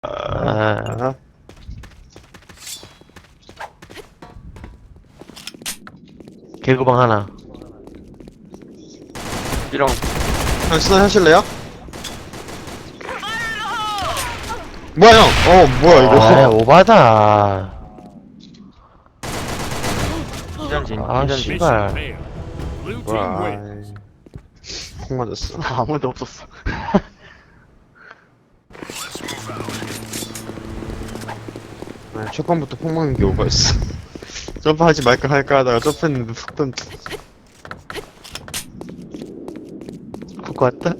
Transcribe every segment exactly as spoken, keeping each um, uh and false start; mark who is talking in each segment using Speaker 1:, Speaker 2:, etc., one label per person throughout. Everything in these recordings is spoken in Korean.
Speaker 1: 아,
Speaker 2: 아,
Speaker 1: 개구방 하나.
Speaker 3: 이런
Speaker 2: 형 스나 하실래요? 뭐야 형? 어 뭐야 이거?
Speaker 1: 아, 오바다.
Speaker 3: 기전진
Speaker 1: 아,
Speaker 3: 기전진
Speaker 1: 씨발.
Speaker 2: 뭐야? 아이, 콩 맞았어.
Speaker 3: 아무도 없었어.
Speaker 2: 아, 첫 번부터 콩 먹는 게 오버였어. 점프하지 말까 할까 하다가 점프했는데 푹 던져.
Speaker 1: 훅 왔다?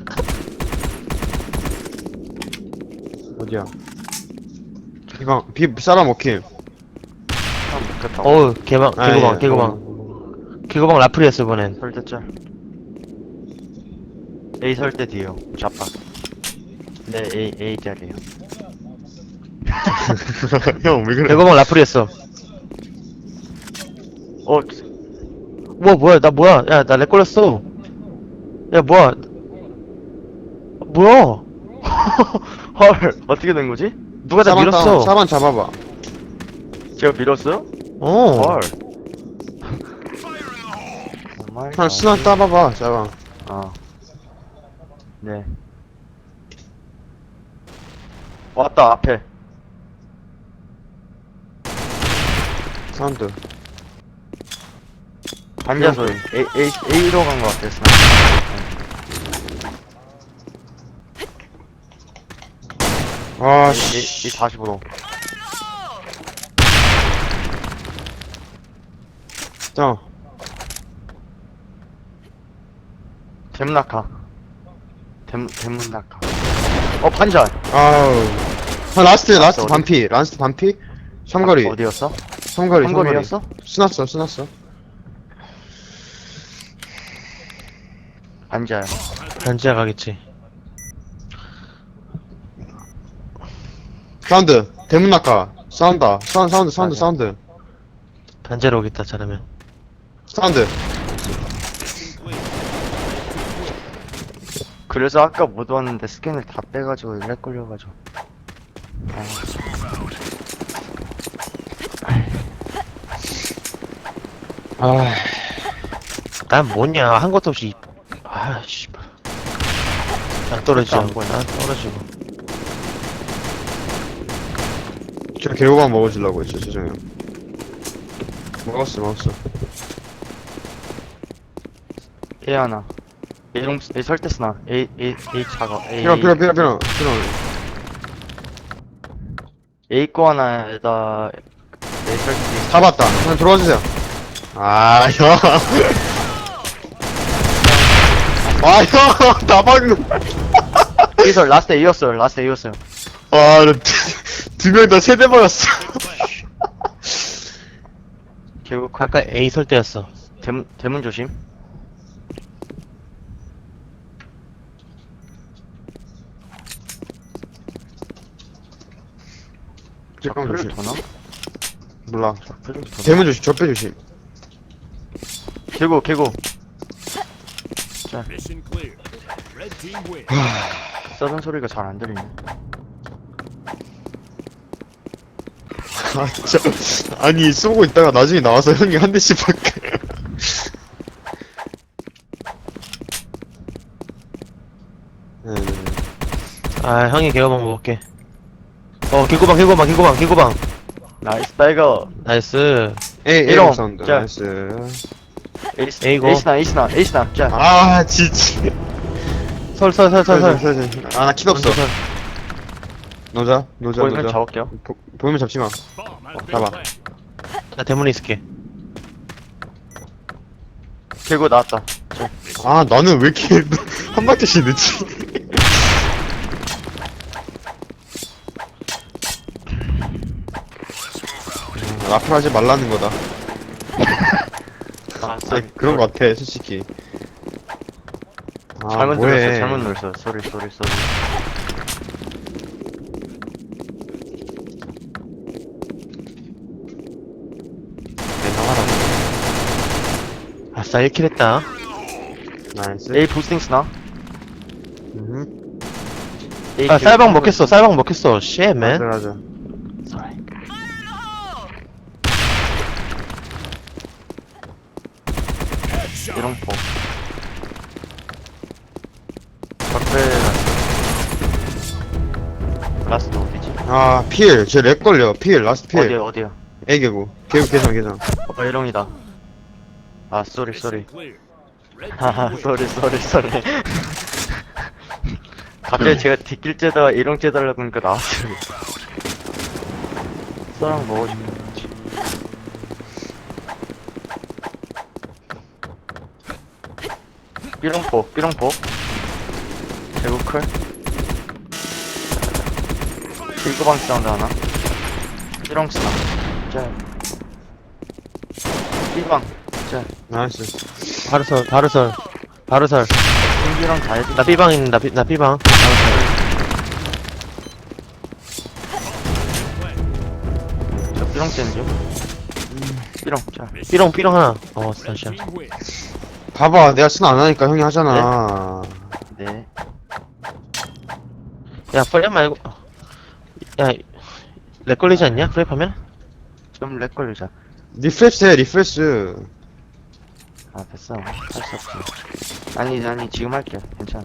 Speaker 2: 어디야? 비방 비 사람 먹힘.
Speaker 3: 아 먹겠다.
Speaker 1: 어우, 개방,
Speaker 2: 아,
Speaker 1: 개구방,
Speaker 2: 예.
Speaker 1: 개구방.
Speaker 2: 어.
Speaker 1: 개구방 라플이었어, 이번엔.
Speaker 3: 설대짤. A 설대 뒤에요. 좌파. 네 A A 짤이에요.
Speaker 2: 형 왜 그래?
Speaker 1: 개구방 라플이었어.
Speaker 3: 어
Speaker 1: 우와, 뭐야, 나 뭐야. 야, 나 렉 걸렸어. 야, 뭐야. 뭐야.
Speaker 3: 헐 어떻게 된 거지?
Speaker 1: 누가 나
Speaker 2: 사람
Speaker 1: 밀었어.
Speaker 2: 따- 사람 잡아봐.
Speaker 3: 제가 밀었어요?
Speaker 1: 어.
Speaker 3: 헐. 정말.
Speaker 2: 형 스나 따봐봐. 잡아.
Speaker 3: 아. 네. 왔다 앞에.
Speaker 2: 사운드.
Speaker 3: 반자 소리. A A A로 간 것 같았어.
Speaker 2: 아
Speaker 3: A
Speaker 2: 씨.
Speaker 3: A 사십오로.
Speaker 2: 형.
Speaker 3: 댐낙하. 댐 댐낙하. 어 반자.
Speaker 2: 아우. 형 라스트 라스트
Speaker 3: 어디?
Speaker 2: 반피. 라스트 반피. 삼거리.
Speaker 3: 어디였어?
Speaker 2: 삼거리.
Speaker 3: 삼거리였어?
Speaker 2: 스났어 스났어.
Speaker 3: 반자야.
Speaker 1: 반지하 가겠지.
Speaker 2: 사운드. 대문 낙하. 사운드. 사운드 사운드 사운드
Speaker 3: 맞아.
Speaker 2: 사운드.
Speaker 1: 반지하로 오겠다, 잘하면.
Speaker 2: 사운드.
Speaker 3: 그래서 아까 못 왔는데 스캔을 다 빼가지고 렉 걸려가지고. 아,
Speaker 2: 아.
Speaker 1: 난 뭐냐, 한 것도 없이. 아, 씨발. 안 떨어지죠.
Speaker 3: 안 보여.
Speaker 1: 안 떨어지고.
Speaker 2: 저 개호박 먹어주려고 했죠 죄송해요. 먹었어 먹었어.
Speaker 3: A 하나. A 용 A 설대스나. A A A 차가. A
Speaker 2: 필요 필요 필요 필요 필요.
Speaker 3: A 거 하나에다 A 설대.
Speaker 2: 잡았다. 형 들어와 주세요. 아 형. 아 형. 다 박는.
Speaker 3: A 설 라스트 A였어요. 라스트 A였어요.
Speaker 2: 아두명 다 세대 박았어.
Speaker 3: 결국
Speaker 1: 아까 A 설 때였어.
Speaker 3: 대문 대문 조심.
Speaker 2: 잠깐
Speaker 3: 표를
Speaker 2: 조심.
Speaker 3: 도나?
Speaker 2: 몰라.
Speaker 3: 표를 도나?
Speaker 2: 대문 조심. 적배 조심.
Speaker 3: 개고 개고.
Speaker 4: Mission clear. Red team win.
Speaker 3: 써는 소리가 잘 안 들리네.
Speaker 2: 아 진짜. 아니 쏘고 있다가 나중에 나와서 형이 한 대씩 밖에. 네.
Speaker 1: 아, 형이 개구방 먹을게. 어, 개구방, 개구방, 개구방, 개구방.
Speaker 3: 나이스 타이거.
Speaker 1: 나이스.
Speaker 2: 에이 에이
Speaker 3: 이런.
Speaker 2: 사운드.
Speaker 3: 자.
Speaker 2: 나이스.
Speaker 3: 에이스
Speaker 1: A고.
Speaker 3: 에이스나 에이스나 에이스나. 자.
Speaker 2: 아 진짜.
Speaker 1: 설, 설, 설, 설, 설.
Speaker 2: 아나 킷 없어.
Speaker 1: 설.
Speaker 2: 노자 노자
Speaker 3: 보이면
Speaker 2: 노자.
Speaker 3: 잡을게요.
Speaker 2: 보, 보이면 잡지 마.
Speaker 4: Bomb has been
Speaker 2: 잡아.
Speaker 4: planted.
Speaker 1: 나 대문에 있을게.
Speaker 3: 개고 나왔다.
Speaker 2: 아 나는 왜 이렇게 한 박자씩 늦지? 아, 라플 하지 말라는 거다.
Speaker 3: 아,
Speaker 2: 아, 그런 거 같아 솔직히. 아
Speaker 3: 잘못
Speaker 2: 뭐해.
Speaker 3: 눌렀어. 잘못 눌렀어. 쏘리 쏘리 쏘리.
Speaker 1: 아싸, 일 킬 했다.
Speaker 2: 나이스.
Speaker 3: A 부스팅 스나.
Speaker 2: 음.
Speaker 1: 아, 쌀방 먹겠어, 쌀방 먹겠어. 쉣,
Speaker 2: 맞아,
Speaker 1: 맨.
Speaker 2: 맞아.
Speaker 3: Sorry. 이롱포. 적배 라스트 어디지?
Speaker 2: 아, 필. 쟤렉 걸려. 필. 라스트 필.
Speaker 3: 어디야 어디야?
Speaker 2: 애개구. 개구 계산, 계산.
Speaker 3: 어 이롱이다. 아 쏘리 쏘리.
Speaker 4: Clear. Red
Speaker 3: 하하
Speaker 4: team wins.
Speaker 3: 쏘리 쏘리 쏘리. 갑자기 제가 뒷길 째다가 이롱 째달라고 하니까 나왔어요. 쏘랑 먹어줄게. 삐롱포 삐롱포. 개구클. 일거방 사운드 하나. 삐롱 스나. 짤. 삐방. 짤.
Speaker 2: 나이스.
Speaker 1: 바르설, 바르설. 바르설.
Speaker 3: 승기랑 다 해줘.
Speaker 1: 나 B방 있는, 나, B, 나 B방.
Speaker 3: 저 삐롱 째는 중. 삐롱 짤.
Speaker 1: B롱, B롱 하나. 어,
Speaker 4: Red
Speaker 1: 다시야.
Speaker 4: team wins.
Speaker 2: 봐봐. 내가 쓰나 안 하니까 형이 하잖아.
Speaker 3: 네.
Speaker 1: 야, 프레 말고. 야, 렉 걸리지 않냐? 프레 하면?
Speaker 3: 좀 렉 걸리자.
Speaker 2: 리프레스 해, 리프레스.
Speaker 3: 아 됐어. 할 수 없지. 아니 아니 지금 할게. 괜찮아.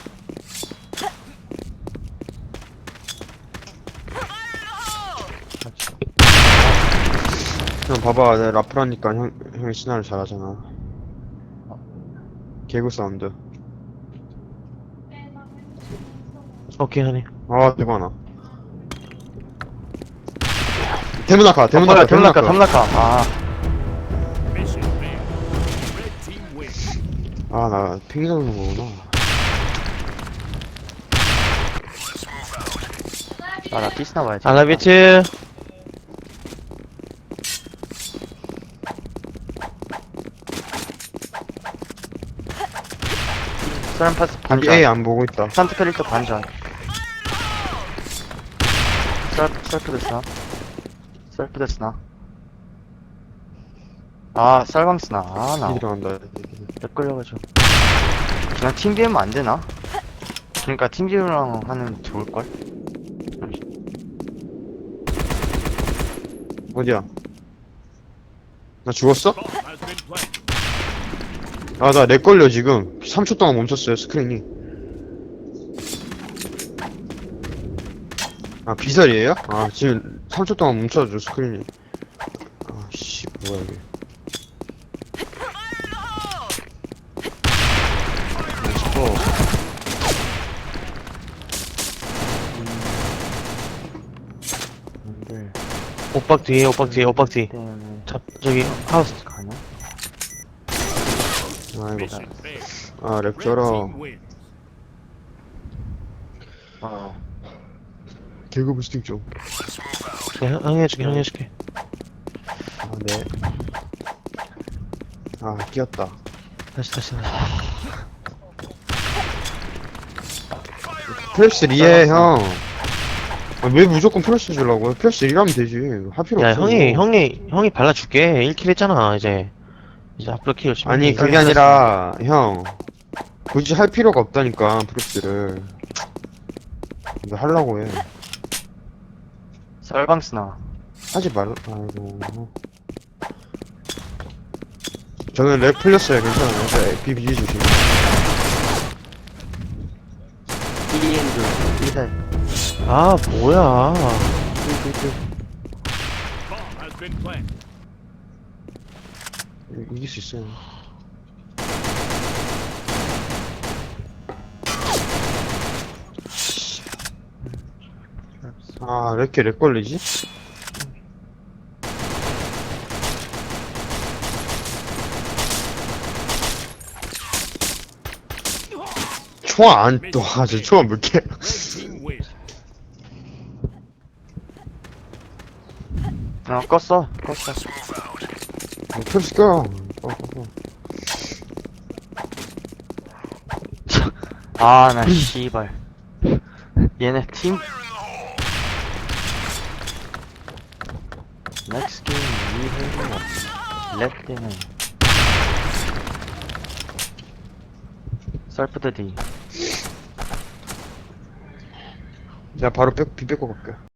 Speaker 2: 형 봐봐. 내가 라프라니까 형, 형이 스나를 잘하잖아. 개구 사운드.
Speaker 1: 오케이, 하네.
Speaker 2: 아, 대박나. 대문아카,
Speaker 3: 어, 뭐야
Speaker 2: 대문아카,
Speaker 3: 탐락가
Speaker 2: 대문아카.
Speaker 3: 탐락가. 아
Speaker 4: Mission failed. Red team wins.
Speaker 2: 아, 나 핑이 잡는 거구나.
Speaker 3: 아나 피스나 봐야지.
Speaker 1: 알라비트.
Speaker 3: 사람 파스
Speaker 2: 여기
Speaker 3: 반전.
Speaker 2: A 안 보고 있다.
Speaker 3: 산트 캐릭터 반전. 셀 셀프 데스나. 셀프 데스나. 아 쌀방스나. 아나
Speaker 2: 들어간다.
Speaker 3: 렉 걸려가지고. 그냥 팀 비우면 안 되나? 그러니까 팀 비우랑 하면 좋을 걸.
Speaker 2: 어디야? 나 죽었어?
Speaker 4: Bomb has been planted.
Speaker 2: 아, 나 렉 걸려, 지금. 삼 초 동안 멈췄어요, 스크린이. 아, 비살이에요? 아, 지금 삼 초 동안 멈춰줘, 스크린이. 아, 씨, 뭐야, 이게.
Speaker 3: 멋있고. 근데
Speaker 1: 오빡 뒤에, 오빡 뒤에, 오빡 뒤.
Speaker 3: 때문에
Speaker 1: 자, 저기, 하우스.
Speaker 3: 가냐?
Speaker 2: 아이고.
Speaker 4: Mission failed.
Speaker 2: 아, 렉
Speaker 4: Red
Speaker 2: 쩔어.
Speaker 4: team wins.
Speaker 3: 어.
Speaker 2: 개그 부스팅 좀.
Speaker 1: 네, 형, 형이 해줄게, 형이 해줄게.
Speaker 2: 아, 네. 아, 끼었다.
Speaker 1: 다시, 다시, 다시.
Speaker 2: 플래시 리에, 형. 아, 왜 무조건 플래시 주려고? 플래시 리라면 되지. 할 필요
Speaker 1: 야,
Speaker 2: 없어.
Speaker 1: 형이, 형이, 형이 발라줄게. 일 킬 했잖아, 이제. 이제 앞으로 킬 열심히.
Speaker 2: 아니,
Speaker 1: 해.
Speaker 2: 그게 아니라, 형. 굳이 할 필요가 없다니까, 플래시를. 이거 하려고 해.
Speaker 3: 쌀방스나.
Speaker 2: 하지 말라, 아이고. 저는 렉 풀렸어요, 괜찮아요. 네, 비비지 주시면.
Speaker 3: 이엔드 이살.
Speaker 1: 아, 뭐야.
Speaker 4: Bomb has been planted.
Speaker 2: 이길 수 있어요. 아, 왜 이렇게 렉 걸리지? 총알 안, 또, 아, 저 총알 몇 개.
Speaker 4: Red team wins.
Speaker 3: 어 껐어 껐어.
Speaker 2: 플래시 껴. 어, 어, 어.
Speaker 3: 아나 씨발. 얘네 팀. 넥스 게임 이해가 렉 때문에. 셀프 드디.
Speaker 2: 제가 바로 뺏, 비 뺏고 갈게요.